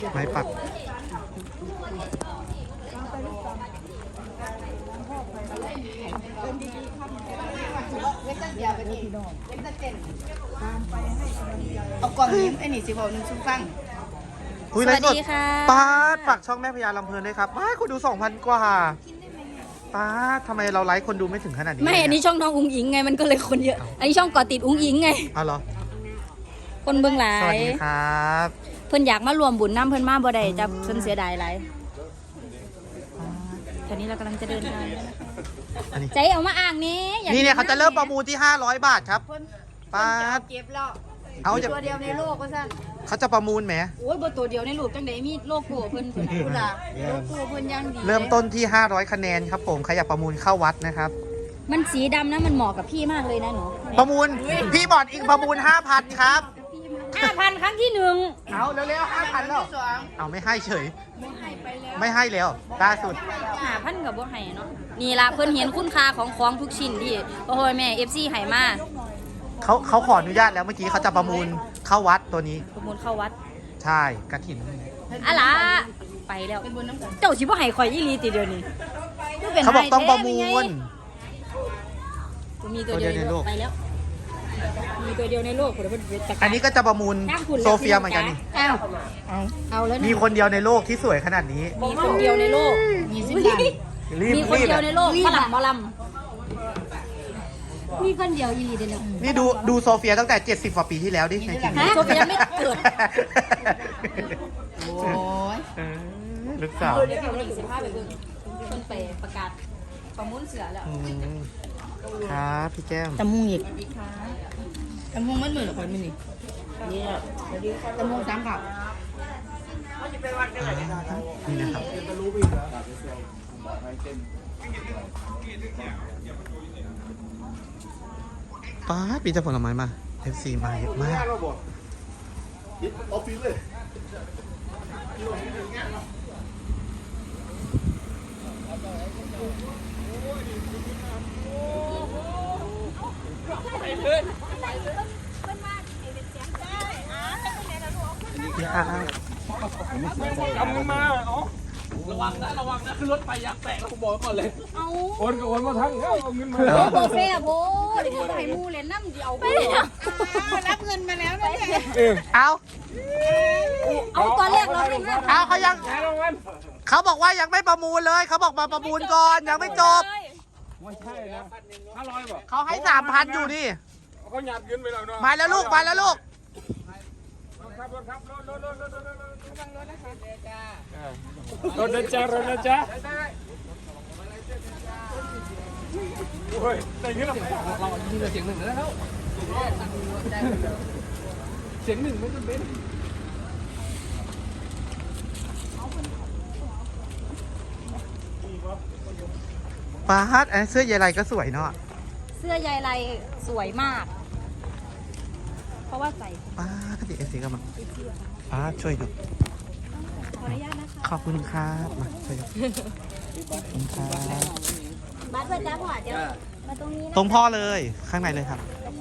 ไม้ปักเอากล่องยิ้มไอ้นี่สิบอกหนึ่งชุดฟังสวัสดีค่ะป้าฝากช่องแม่พญาลำเพลินด้วยครับว้าคนดู 2,000 กว่าป้าทำไมเราไลฟ์คนดูไม่ถึงขนาดนี้ไม่อันนี้ช่องน้องอุ้งอิงไงมันก็เลยคนเยอะอันนี้ช่องก่อติดอุ้งอิงไงเอาเหรอคนเบื้องหลังสวัสดีครับเพิ่นอยากมารวมบุญน้ำเพิ่นมาบ่ได้จะเพิ่นเสียดายหลายตอนนี้เรากำลังจะเดินทางใจเอามาอ่างนี้นี่เนี่ยเขาจะเริ่มประมูลที่500 บาทครับป้าเก็บแล้วเอาตัวเดียวในโลกก็สั่นเขาจะประมูลไหมโอ้ยบ่ตัวเดียวในโลกจังไดมีโลกโก้เพิ่นพุ่นล่ะโลกโก้เพิ่นยังดีเริ่มต้นที่500 คะแนนครับผมใครอยากประมูลเข้าวัดนะครับมันสีดำนะมันเหมาะกับพี่มากเลยนะหนูประมูลพี่บอดอิงประมูล 5,000 ครับ 5,000 ครั้งที่1 เอาเร็วๆ 5,000 แล้วเอาไม่ให้เฉยไม่ให้แล้วล่าสุด 5,000กับบ่ให้เนาะนี่ล่ะเพิ่นเห็นคุณค่าของทุกชิ้นที่พ่อแม่ FC ให้มาเขาขออนุญาตแล้วเมื่อกี้เขาจะประมูลเข้าวัดตัวนี้ประมูลเข้าวัดใช่กฐินอะล่ะไปแล้วเจ้าสิบ่ให้ข่อยอีหลีติเดียวนี้เขาบอกต้องประมูลมีตัวเดียวในโลกไปแล้วมีตัวเดียวในโลกอันนี้ก็จะประมูลโซเฟียเหมือนกันนี่เอาแล้วมีคนเดียวในโลกที่สวยขนาดนี้มีคนเดียวในโลกมีคนเดียวในโลกฝรั่งหมอลำมีคนเดียวอีหลีเดียวนี่ดูโซเฟียตั้งแต่70 กว่าปีที่แล้วดิในทีวีโซเฟียไม่เกิดโอ้ยลูกสาวเดี๋ยวพี่วันนี้15ไปเบิ่งเพิ่นไปประกาศประมูลเสือแล้วครับพี่แก้มตะมุงอีกตะมุงมันเหมือนคนมันนี่ตะมุง3บาทนี่นะครับป้าปีจะผลไม้มา FC มาเยอะมากกำเงินมาระวังนะขึ้นรถไปยักแตกแล้วผมบอกก่อนเลยโอนกับโอนมาทั้งเอาเงินมาโบเฟ่โบเดี๋ยวจะให้มูเลยน้ำเดียวรับเงินมาแล้วนะเนี่ยเอาตอนแรกเราไม่ได้เอาเขายังเขาบอกว่ายังไม่ประมูลเลยเขาบอกมาประมูลก่อนยังไม่จบไม่ใช่นะ500บอกเขาให้ 3,000 อยู่นี่เขาหยาดเงินไปแล้วเนาะมาแล้วลูกมาแล้วลูกรถนะจ๊ะโอ้ยแต่เงี้ยเรายิงเสียงหนึ่งแล้วเสียงหนึ่งไม่จำเป็นป้าฮัทเสื้อใยไรก็สวยเนาะเสื้อใยไรสวยมากเพราะว่าใส่ป้าก็ติดสีกันมาป้าช่วยดูขออนุญาตนะคะขอบคุณครับมาช่วยดูขอบคุณครับบัตรเพื่อนจ้าพ่อเดี๋ยวมาตรงนี้ตรงพ่อเลยข้างในเลยครับ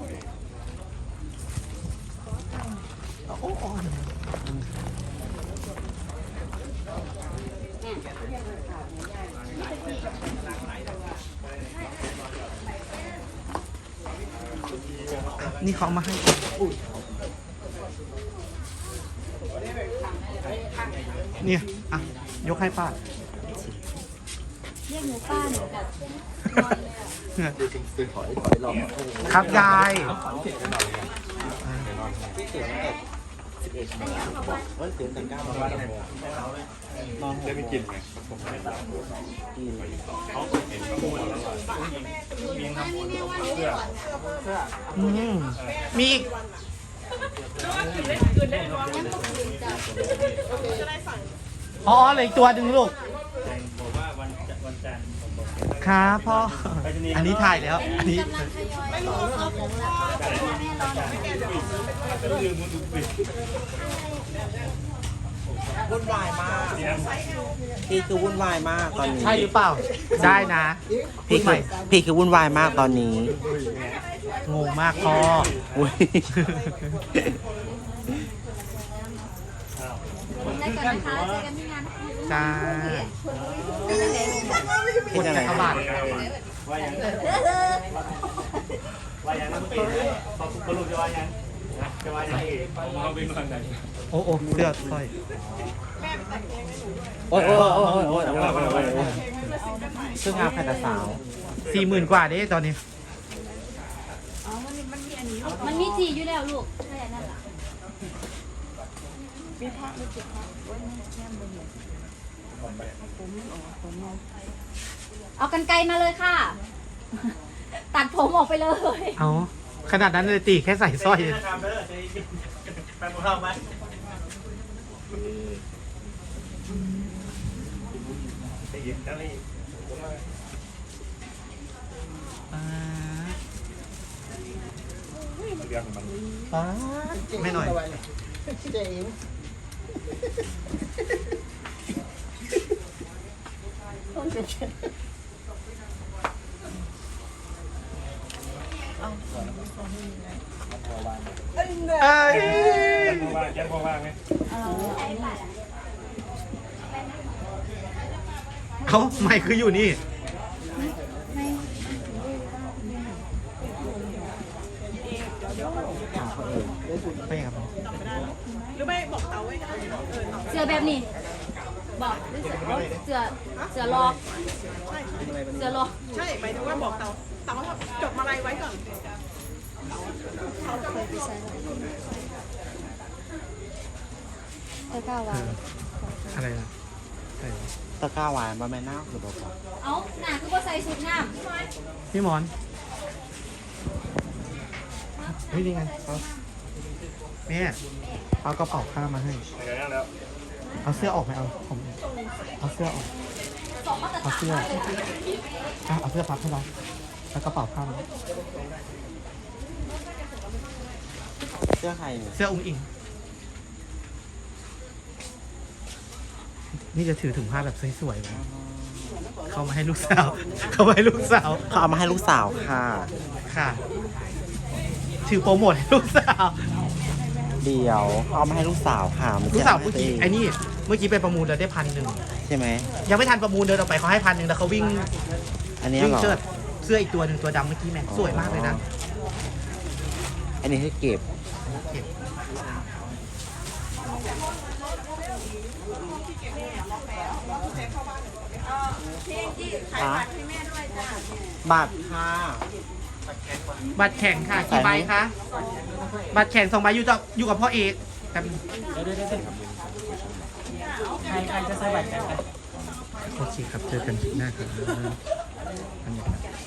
นี่เขามาให้เนี่ยอ่ะยกให้ป้าเรียกหนูป้าหนูแบบครับยายได้ไปกินไหมมีอีกอ๋อเหลืออีกตัวหนึ่งลูกครับพ่ออันนี้ถ่ายแล้วอันนี้วุ่นวายมากพี่คือวุ่นวายมากตอนนี้ใช่หรือเปล่าได้นะพี่คือวุ่นวายมากตอนนี้งงมากพ่ออุ้ยกันนะคะเจอกันที่งานนะคะจ้าเฮ็ดจังได๋กระบาดว่ายังต้องเป็นพอคุณรู้จะว่ายังจะว่ายังเราเป็นคนไหนโอ้โอ้เสื้อสร้อยโอ้ยซึ่งงานแพทย์สาว 40,000 กว่าเด้ตอนนี้มันมีจีอยู่แล้วลูกใช่นั่นแหละเอากันไกลมาเลยค่ะ ตัดผมออกไปเลยเอาขนาดนั้นเลยตีแค่ใส่สร้อยไปหมดเราไหมไม่หน่อย เอ้ยยังพอว่างไหมเขาไม่คืออยู่นี่ ไปครับเสือแบบนี้บอกเสือเสือรอเสือรอใช่หมายถึงว่าบอกเต๋าจดมาลัยไว้ก่อนอะไรนะตะกร้าหวานบ่แม่นน้าหรือบ่เอาหนาคือว่าใส่ชุดงามพี่หมอนเฮ้ยนี่ไงเอาแม่เอากระเป๋าผ้ามาให้ไปกันแล้วเอาเสื้อออกไหมเอาผมเอาเสื้อออก เอาเสื้อเอาเสื้อพับให้เราแล้วกระเป๋าผ้ามาเสื้อใครเนี่ยเสื้ออุ้งอิง นี่จะถือถุงผ้าแบบสวยๆเลยเขามาให้ลูกสาว เขามาให้ลูกสาวเขาเอามาให้ลูกสาวค่ะค่ะ ถือโปรโมทให้ลูกสาวเดี๋ยวเขาเอามาให้ลูกสาวค่ะมันลูกจะสาวเมื่อกี้ไอ้นี่ เมื่อกี้ไปประมูลแล้วได้1,000 ใช่ไหมยังไม่ทันประมูลเดินออกไปเขาให้1,000แล้วเขาวิ่งอันนี้วิ่งเหรอเชิดเสื้ออีกตัวหนึ่งตัวดำเมื่อกี้แม่งสวยมากเลยนะอันนี้ให้เก็บเก็บบัตรค่ะบัตรแข่งค่ะกี่ใบคะบัตรแข่ง2 ใบอยู่กับพ่อเอกกันใครจะใส่บัตรแข่งกันโอเคครับเจอกันคลิปหน้าครับ